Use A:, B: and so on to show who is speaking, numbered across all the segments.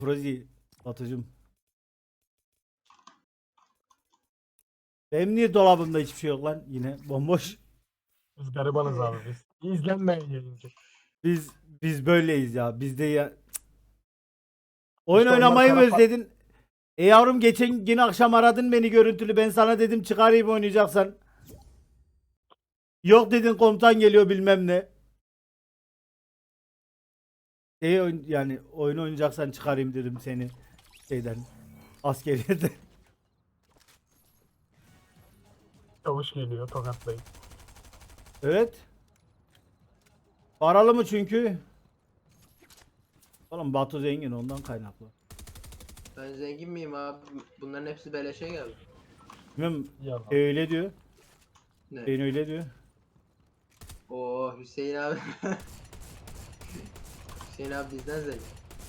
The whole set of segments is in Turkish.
A: Prozi. Batucum. Benim niye dolabımda hiçbir şey yok lan? Yine bomboş.
B: Biz garibanız abi biz. İzlenmeyen yayıncı.
A: Biz böyleyiz ya. Bizde ya. Oyun
B: İşte onlar
A: oynamayı mı
B: kara
A: özledin? Yavrum geçen gün akşam aradın beni görüntülü. Ben sana dedim çıkarayım oynayacaksan. Yok dedin komutan geliyor bilmem ne. Yani oyun oynayacaksan çıkarayım dedim seni şeyden askeriyeden.
B: çavuş geliyor tokatlayıp.
A: Evet. Paralı mı çünkü? Oğlum Batu zengin ondan kaynaklı.
C: Ben zengin miyim abi? Bunların hepsi beleşe geldi.
A: Bilmem
B: Yalan.
A: öyle diyor.
C: Ne?
A: Ben öyle diyor.
C: Oo Hüseyin abi. Hüseyin abi bizden zengin.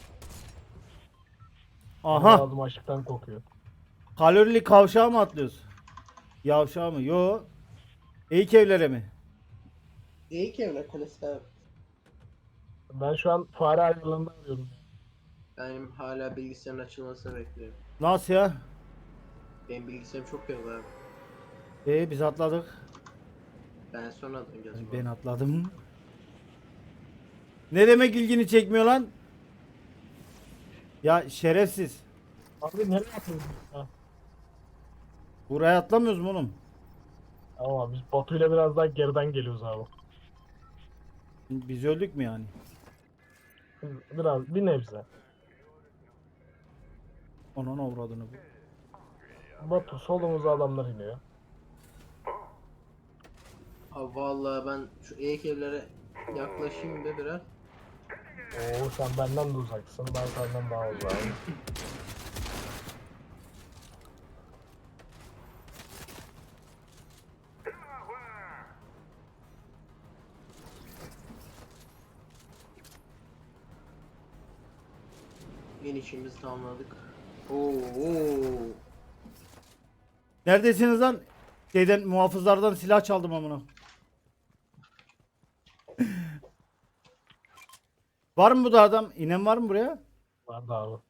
A: Aha.
B: Ağzım açlıktan kokuyor.
A: Kalorili kavşağa mı atlıyoruz? Yavşağa mı? Yo. Eğik evlere mi?
C: İyi ki evler klasik abi.
B: Ben şu an fare ayarlarında arıyorum.
C: Benim hala bilgisayarın açılmasını bekliyorum.
A: Nasıl ya?
C: Benim bilgisayarım çok yok abi.
A: Biz atladık.
C: Ben sonradan geldim.
A: Ben atladım. Ne demek ilgini çekmiyor lan? Ya şerefsiz.
B: Abi nereye atıyoruz? Ha.
A: Buraya atlamıyoruz mu oğlum?
B: Ama biz Batu'yla biraz daha geriden geliyoruz abi.
A: Biz öldük mü yani?
B: Biraz bir nebze.
A: Onun avradını bu.
B: Batu solumuza adamlar iniyor.
C: Abi vallahi ben şu eğik evlere yaklaşayım da biraz.
B: Oo sen benden de uzaksın. Ben senden daha uzağım.
C: İnişimizi tamamladık. Oo.
A: Neredesiniz lan? Şeyden muhafızlardan silah çaldım amına. Var mı bu da adam? İnen var mı buraya?
B: Vardı abi.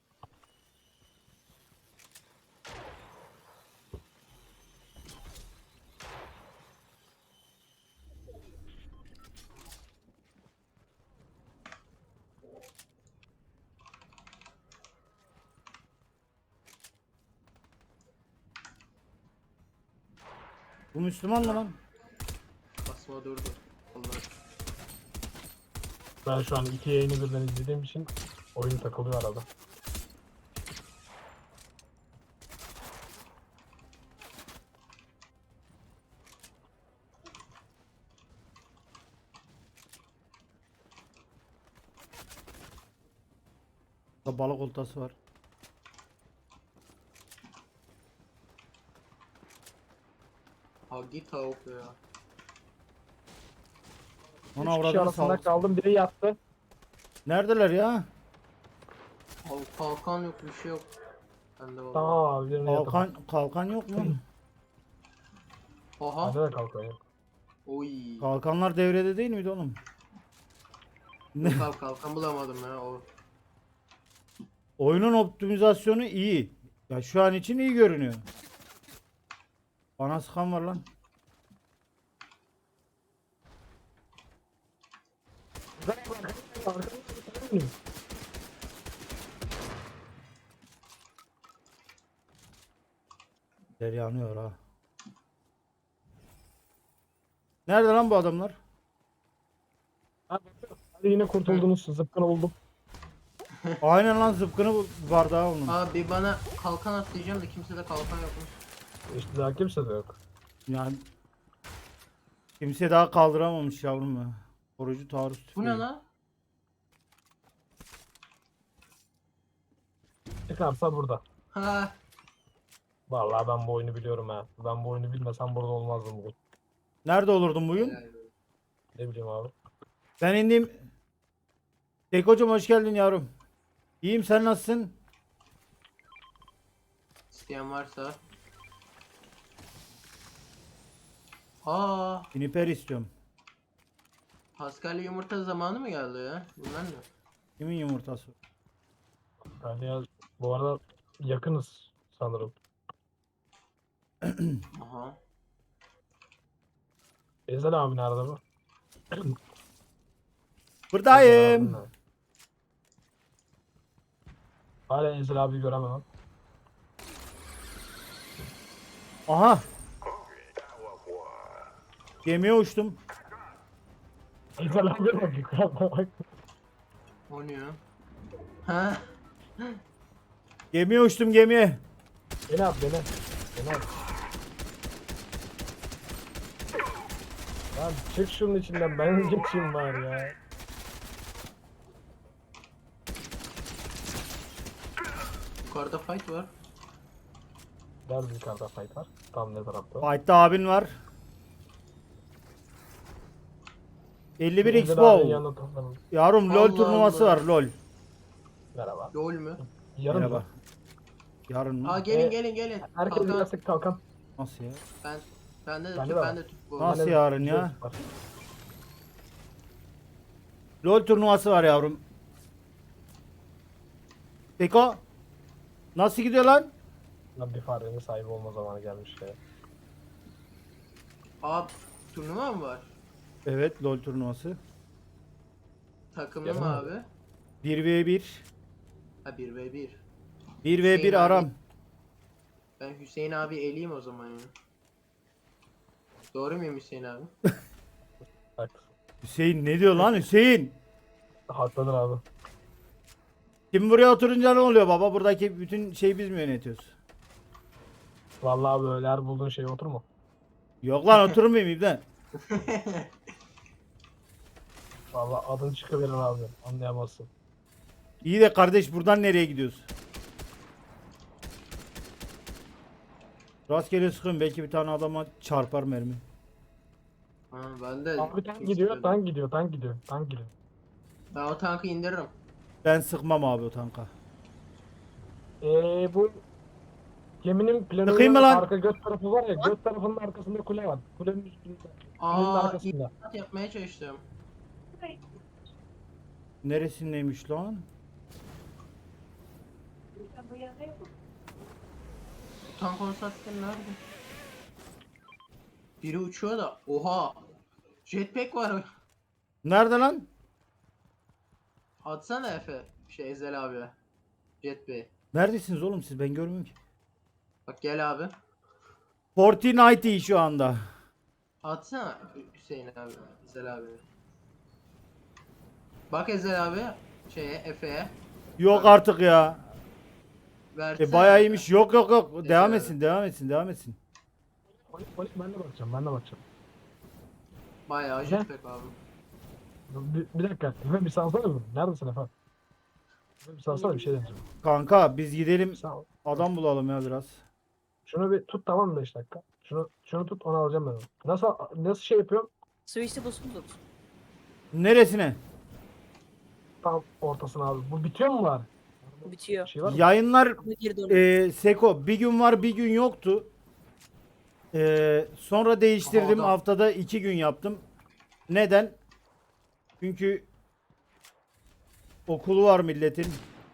A: Bu Müslüman mı lan?
C: Basma durdu. Allah.
B: Ben şu an iki yayını birden izlediğim için oyun takılıyor arada.
A: Burada balık oltası var.
C: Ha git tavuk ya.
A: Ona
B: Üç kişi
A: avradını
B: arasında
A: sağlık.
B: kaldım, biri yattı.
A: Neredeler ya?
C: Abi kalkan yok bir şey yok. Bende vallahi.
B: Tamam abi, birini yattım.
A: Kalkan yok mu?
C: Oha.
B: Bende de kalkan yok.
C: Oy.
A: Kalkanlar devrede değil miydi oğlum?
C: Yok abi kalkan bulamadım ya. O.
A: Oyunun optimizasyonu iyi. Ya şu an için iyi görünüyor. Bana sıkan var lan. Der yanıyor ha. Nerede lan bu adamlar?
B: Hadi yine kurtuldunuz, zıpkını buldum.
A: Aynen lan zıpkını var daha onun.
C: Abi bana kalkan at diyeceğim de kimsede kalkan yokmuş.
B: İşte daha kimse de yok.
A: Yani kimse daha kaldıramamış yavrum ya. Korucu taarruz
C: Bu
A: tüfeği.
C: ne lan?
B: Çıkarsa burada.
C: Ha.
B: Vallahi ben bu oyunu biliyorum ha. Ben bu oyunu bilmesem burada olmazdım bugün.
A: Nerede olurdun bugün?
C: Helal olsun.
B: Ne bileyim abi.
A: Ben indim. Tek hocam hoş geldin yavrum. İyiyim sen nasılsın?
C: İsteyen varsa. Aa,
A: Juniper istiyorum.
C: Paskalya yumurta zamanı mı geldi ya? Bunlar ne?
A: Kimin yumurtası?
B: Yani ya, bu arada yakınız sanırım.
C: Aha.
B: Ezel abi nerede bu? Ezel abim
A: Buradayım.
B: nerede? Hala Ezel abi göremem.
A: Aha. Gemiye uçtum.
B: Ezel abi bak yukarıda bak.
C: O ne ya? Ha?
A: Gemiye uçtum gemiye.
B: Beni at beni. Beni at. Lan çık şunun içinden ben geçeyim var ya.
C: Yukarıda fight var.
B: Nerede yukarıda fight var? Tam ne tarafta?
A: Fight'ta abin var. 51
B: Ezel
A: Expo.
B: abinin yanına toplanalım.
A: Yavrum LoL
C: Allah
A: turnuvası
C: Allah.
A: var LoL.
B: Merhaba.
C: LOL mü?
B: Yarın
A: Merhaba.
B: mı?
A: Yarın mı?
C: Aa gelin.
B: Herkes
C: Kalkan.
B: birazcık kalkan.
A: Nasıl ya?
C: Bende de
B: Bende
C: tüp,
B: de var.
C: bende tüp bu.
A: Nasıl
B: Bende
A: yarın ya?
B: biliyorsun var.
A: LoL turnuvası var yavrum. Eko. Nasıl gidiyor lan?
B: Lan bir farenin sahibi olma zamanı gelmiş ya.
C: Aa turnuva mı var?
A: Evet LoL turnuvası.
C: Takımlı
B: Yarın
C: mı
B: mı?
C: abi?
A: 1v1.
C: Ha 1v1.
A: 1v1
C: Hüseyin
A: aram.
C: abi. Ben Hüseyin abi eleyim o zaman ya. Doğru muyum Hüseyin abi?
B: Bak.
A: Hüseyin ne diyor lan Hüseyin?
B: Haklıdır abi.
A: Kim buraya oturunca ne oluyor baba? Buradaki bütün şeyi biz mi yönetiyoruz?
B: Vallahi böyle her bulduğun şeye oturma.
A: Yok lan oturmayayım İbden.
B: Vallahi adın çıkıverir abi. Anlayamazsın.
A: İyi de kardeş buradan nereye gidiyoruz? Rastgele sıkıyorum belki bir tane adama çarpar mermi.
C: Ha ben de.
B: Abi tank gidiyor, tank gidiyor, tank gidiyor, tank gidiyor.
C: Ben o tankı indiririm.
A: Ben sıkmam abi o tanka.
B: Bu geminin
A: Sıkayım mı
B: planının
A: lan?
B: arka göt tarafı var ya, göt tarafının arkasında kule var. Kulenin üstünde. Kulenin
C: Aa
B: arkasında.
C: İnat yapmaya çalıştım.
A: Neresindeymiş lan?
C: Bu tank olsaydı nerede? Biri uçuyor da. Oha. Jetpack var.
A: Nerede lan?
C: Atsana Efe. Ezel abi. Jetpack.
A: Neredesiniz oğlum siz ben görmüyorum ki.
C: Bak gel abi.
A: Fortnite şu anda.
C: Atsana Hüseyin abi. Ezel abi. Bak Ezel abi. Efe'ye.
A: Yok artık ya.
C: Versene.
A: Bayağı iyiymiş. Yok yok yok.
C: Neyse
A: Devam
C: abi.
A: etsin devam etsin devam etsin.
B: Polis ben de bakacağım, ben de bakacağım.
C: Bayağı jetpack abi.
B: Bir dakika, Efe bir salsana mı? Neredesin Efe? Efe bir salsana bir şey deneyeceğim.
A: Kanka biz gidelim
B: Sağ ol.
A: adam bulalım ya biraz.
B: Şunu bir tut tamam mı 5 dakika? Şunu tut onu alacağım ben onu. Nasıl şey yapıyorum?
D: Switch'te basılı tut.
A: Neresine?
B: Tam ortasına abi. Bu bitiyor mu var? Bir
D: Bitiyor.
B: şey var mı?
A: Yayınlar
D: Ama geri dön.
A: Seko bir gün var bir gün yoktu. Sonra değiştirdim
C: Aha, adam.
A: haftada 2 gün yaptım. Neden? Çünkü okulu var milletin.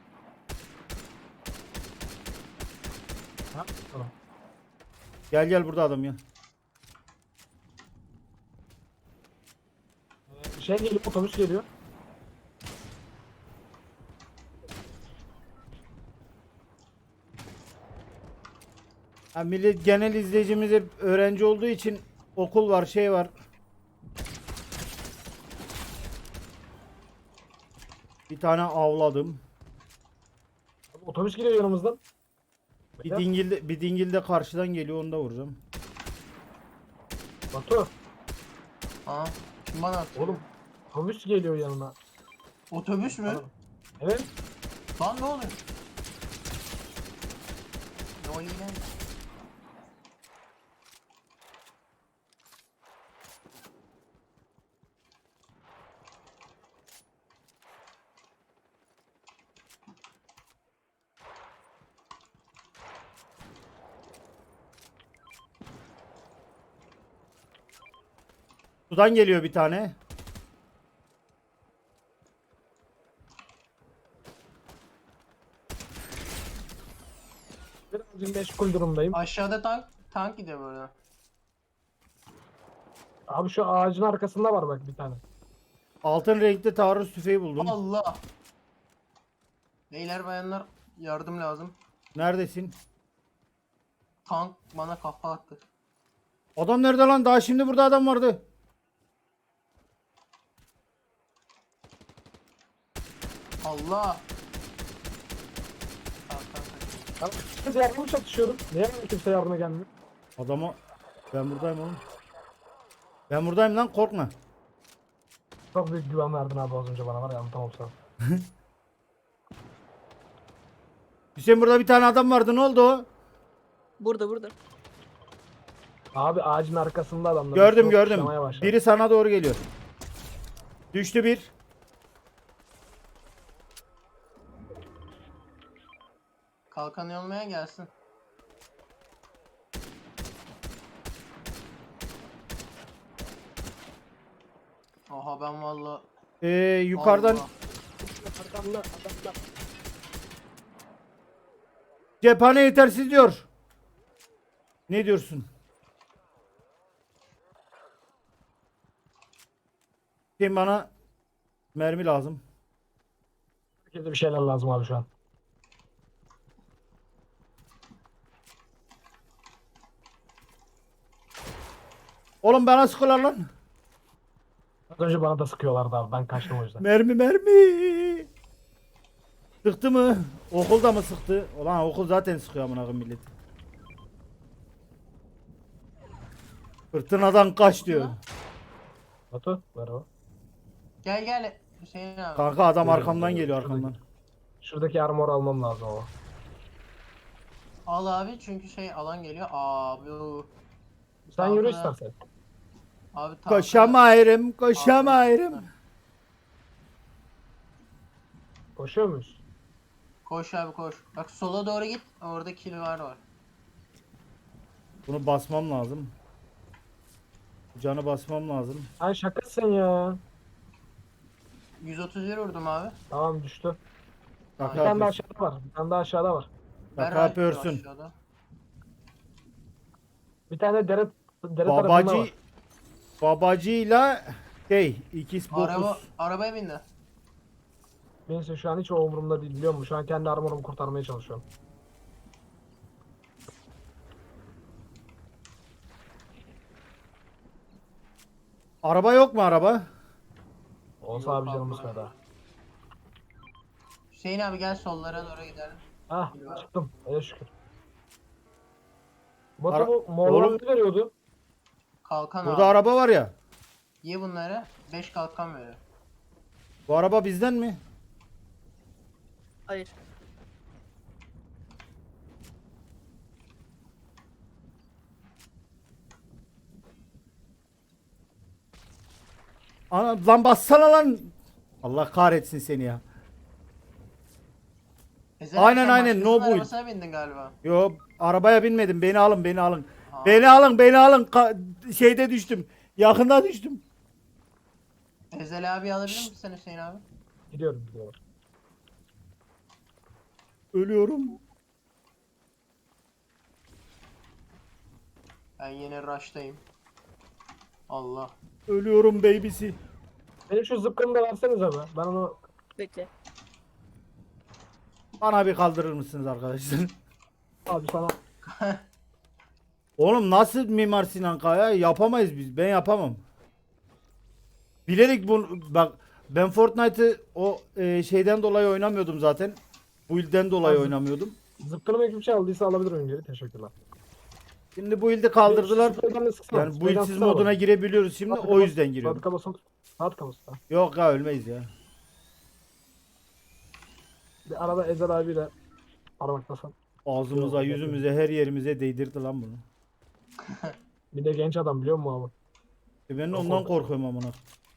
B: Ha? Tamam.
A: Gel gel burada adam ya.
B: Şey geliyor, otobüs geliyor.
A: Ha, millet genel izleyicimiz hep öğrenci olduğu için okul var şey var. Bir tane avladım.
B: Abi, otobüs geliyor yanımızdan.
A: Bir dingil de karşıdan geliyor onu da vuracağım.
B: Batu,
C: Aa. Kim bana attı?
B: oğlum otobüs geliyor yanına.
C: Otobüs mü?
B: Evet.
C: Lan ne oluyor? Ne oluyor lan?
A: Sudan geliyor bir tane.
B: Birazcık meşgul durumdayım.
C: Aşağıda tank gidiyor böyle.
B: Abi şu ağacın arkasında var bak bir tane.
A: Altın renkli taarruz tüfeği buldum.
C: Allah. Beyler bayanlar yardım lazım.
A: Neredesin?
C: Tank bana kafa attı.
A: Adam nerede lan? Daha şimdi burada adam vardı.
C: Allah. Tamam.
B: Ben yardıma çatışıyorum. Niye kimse yardıma gelmiyor?
A: Adama ben buradayım oğlum. Ben buradayım lan, korkma.
B: Çok büyük güven verdin abi az önce bana var ya, anlatamam sana.
A: Hüseyin, burada bir tane adam vardı, ne oldu o?
D: Burada.
B: Abi ağacın arkasında adamlar.
A: Gördüm
B: Çok
A: gördüm.
B: kuşamaya başladı.
A: Biri sana doğru geliyor. Düştü bir.
C: Kalkan yolmaya gelsin. Oha ben valla.
A: Yukarıdan
C: Allah.
B: Arkamda adamlar.
A: cephane yetersiz diyor. Ne diyorsun? Hüseyin, bana mermi lazım.
B: Herkese bir şeyler lazım abi şu an.
A: Oğlum bana sıkıyorlar lan.
B: Az önce bana da sıkıyorlardı abi, ben kaçtım o yüzden.
A: Mermi. Sıktı mı? Okulda mı sıktı? Ulan okul zaten sıkıyor amına koyayım millet. Fırtınadan kaç diyor.
B: Batu merhaba.
C: Gel Hüseyin abi.
A: Kanka adam
B: Geliyorum,
A: arkamdan
B: geliyorum.
A: geliyor, arkamdan.
B: Şuradaki armor almam lazım ama.
C: Al abi çünkü şey alan geliyor. Abi.
B: Sen yürü
C: Tankına-
B: istersen.
C: Abi tankına-
A: Koşamayırım, koşamayırım.
B: Koşuyor muyuz?
C: Koş abi koş. Bak sola doğru git. Orada kill var.
A: Bunu basmam lazım. Canı basmam lazım.
B: Ay şakasın ya.
C: 131 vurdum abi.
B: Tamam düştü. Bir
A: Kaka
B: tane daha
A: yapıyorsun.
B: aşağıda var. Bir tane daha aşağıda var.
A: Kaka
C: Ver abi
A: yapıyorsun.
C: aşağıda.
B: Bir tane dere tarafında var.
A: Babacıyla ikiz bokuz.
C: Arabaya bindi.
B: Neyse şu an hiç o umurumda değil, biliyor musun? Şu an kendi armorumu kurtarmaya çalışıyorum.
A: Araba yok mu araba?
B: Olsa
C: Yok
B: abi canımız
C: abi.
B: feda.
C: Hüseyin abi gel sollara doğru gidelim.
B: Hah çıktım. Öyle şükür. Batu
A: Ara-
B: bu morlar
A: Oğlum-
B: ne veriyordu?
C: Kalkan
A: Burada
C: abi.
A: araba var ya.
C: Ye bunları. 5 kalkan veriyor.
A: Bu araba bizden mi?
D: Hayır.
A: Ana, lan bassana lan. Allah kahretsin seni ya.
C: Ezel
A: Aynen,
C: sen
A: aynen,
C: başkasının
A: no build.
C: arabasına bindin galiba.
A: Yo, arabaya binmedim. Beni alın, beni alın.
C: Aa.
A: Beni alın, beni alın. Şeyde düştüm. Yakında düştüm.
C: Ezel abi alabilir misin sen Hüseyin abi?
B: Gidiyorum.
A: Ölüyorum.
C: Ben yine rush'tayım. Allah.
A: Ölüyorum babysi.
B: Benim şu zıpkını da verseniz abi. Ben onu
D: Bekle.
A: Bana bir kaldırır mısınız arkadaşlar?
B: abi sana
A: Oğlum nasıl Mimar Sinan Kaya? Yapamayız biz. Ben yapamam. Bilerek bak, ben Fortnite'ı o şeyden dolayı oynamıyordum zaten. Bu ilden dolayı
B: Abi-
A: oynamıyordum.
B: zıpkını ekip şey aldıysa alabilir miyim geri? Teşekkürler.
A: Şimdi bu ilde kaldırdılar.
B: Spreyden de sıksana,
A: Yani bu
B: spreyden
A: ilsiz
B: sıksana
A: moduna
B: bana.
A: girebiliyoruz şimdi. O yüzden giriyorum.
B: Fabrika basın. Fabrika basın. Ha.
A: Yok ya, ölmeyiz ya.
B: Bir arada Ezel abiyle parmaklasam.
A: Ağzımıza,
B: Yok,
A: yüzümüze, her yerimize değdirdi lan bunu.
B: Bir de genç adam biliyor musun abi?
A: Ben
B: Yok,
A: ondan
B: yok.
A: korkuyorum amına.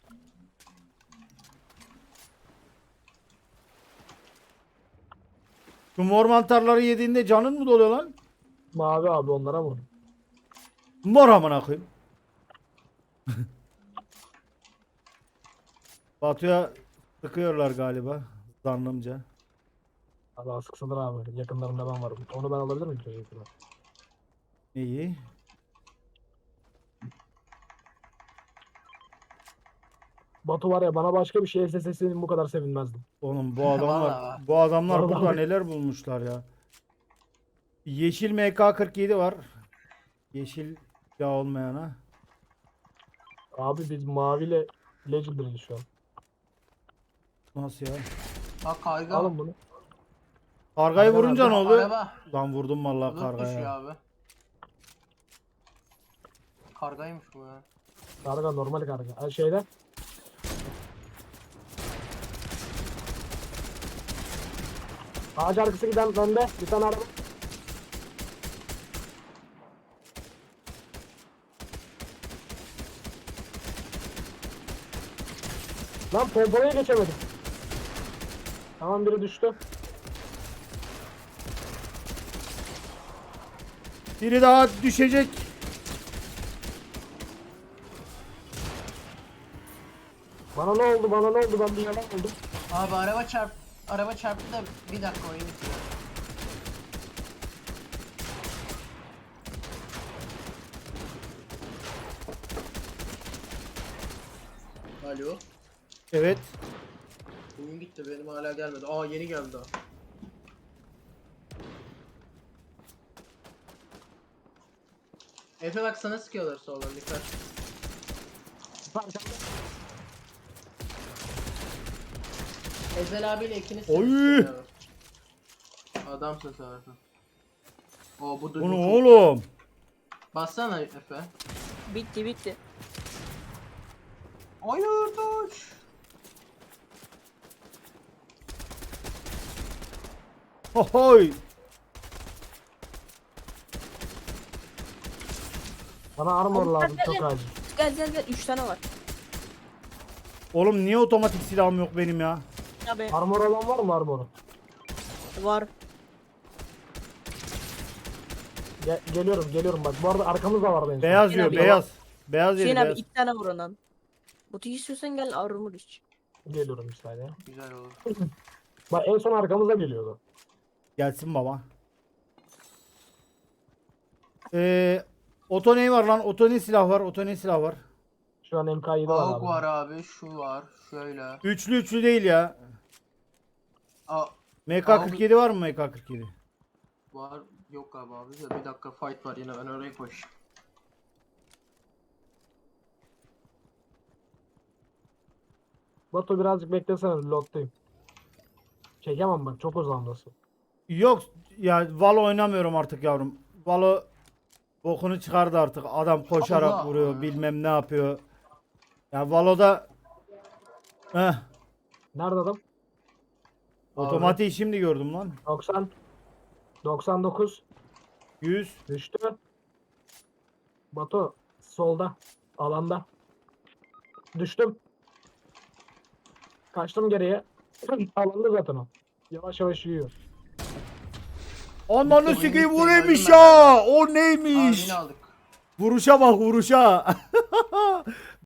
A: Şu mor mantarları yediğinde canın mı doluyor lan?
B: Mavi abi onlara vur.
A: Mor amına koyayım. Batu'ya sıkıyorlar galiba zannımca.
B: Allah sıksındır abi. Yakınlarında ben varım. Onu ben alabilir miyim? Teşekkürler.
A: İyi.
B: Batu var ya, bana başka bir şey SSS'nin bu kadar sevinmezdim.
A: Oğlum bu adamlar
C: Vallahi.
A: bu adamlar
B: Vallahi.
A: burada neler bulmuşlar ya. Yeşil MK47 var. Yeşil ya olmayana.
B: Abi biz maviyle Legendary'yiz şu an.
A: Nasıl ya?
C: Bak karga.
B: Alın bunu.
A: Kargayı
B: Karga
A: vurunca ne
C: Aa,
A: oluyor?
C: Araba.
A: Lan vurdum vallahi
C: Bulut düşüyor
A: kargaya.
C: abi. Kargaymış bu ya.
B: Karga normal karga. Ha, şeyde. Ağaç arkası giden önde. Bir tane araba. Lan pompalaya geçemedim. Tamam, biri düştü.
A: Biri daha düşecek.
B: Bana ne oldu, bana ne oldu, ben bir yalan oldum.
C: Abi araba çarptı da bir dakika oyun bitiyor. Alo.
A: Evet.
C: Oyun gitti, benim hala gelmedi. Aa, yeni geldi daha. Efe bak, sana sıkıyorlar soldan, dikkat. Ezel abiyle ikiniz
A: Oy!
C: sıkıyorlar. Adamsın sen Efe. Oo, bu
A: Bu ne
C: çok...
A: oğlum?
C: Bassana Efe.
D: Bitti bitti.
C: Hayır, dur.
A: Hohoy.
B: Bana armor
D: Abi,
B: lazım,
D: gel,
B: çok
D: gel.
B: acil.
D: Gel 3 tane var.
A: Oğlum niye otomatik silahım yok benim ya?
D: Abi
B: Armor olan var mı armoru?
D: var.
B: Geliyorum bak. Bu arada arkamızda vardı en son.
A: Beyaz
D: Hüseyin
A: diyor
D: abi,
A: beyaz. Beyaz yeri
D: Hüseyin abi
A: beyaz.
D: 2 tane vur ondan. Botu istiyorsan gel armor iç.
B: Geliyorum bir saniye.
C: Güzel olur.
B: Bak en son arkamıza geliyordu.
A: Gelsin baba. Oto ne var lan? Oto ne silah var? Oto ne silah var?
B: Şu an MK7 var
C: AUG
B: abi.
C: var abi, şu var, şöyle.
A: Üçlü değil ya.
C: Aa,
A: MK47 var mı MK47?
C: var, yok abi de bir dakika, fight var yine, ben oraya koş.
B: Batu birazcık beklesene, reload'dayım. Çekemem bak, çok uzandasın.
A: Yok ya, Valo oynamıyorum artık yavrum. Valo bokunu çıkardı artık. Adam koşarak
C: Allah!
A: vuruyor, bilmem ne yapıyor. Ya Valo'da heh,
B: Nerede adam?
A: otomatiği şimdi gördüm lan.
B: 90. 99.
A: 100.
B: Düştü. Batu solda. Alanda. Düştüm. Kaçtım geriye. Alanda zaten o. Yavaş yavaş yiyor.
A: Ananı
C: Oyun
A: sikeyim,
C: bitti,
A: o neymiş
C: öldüm ben.
A: ya? O
C: Aa,
A: neymiş?
C: yine aldık.
A: Vuruşa bak, vuruşa.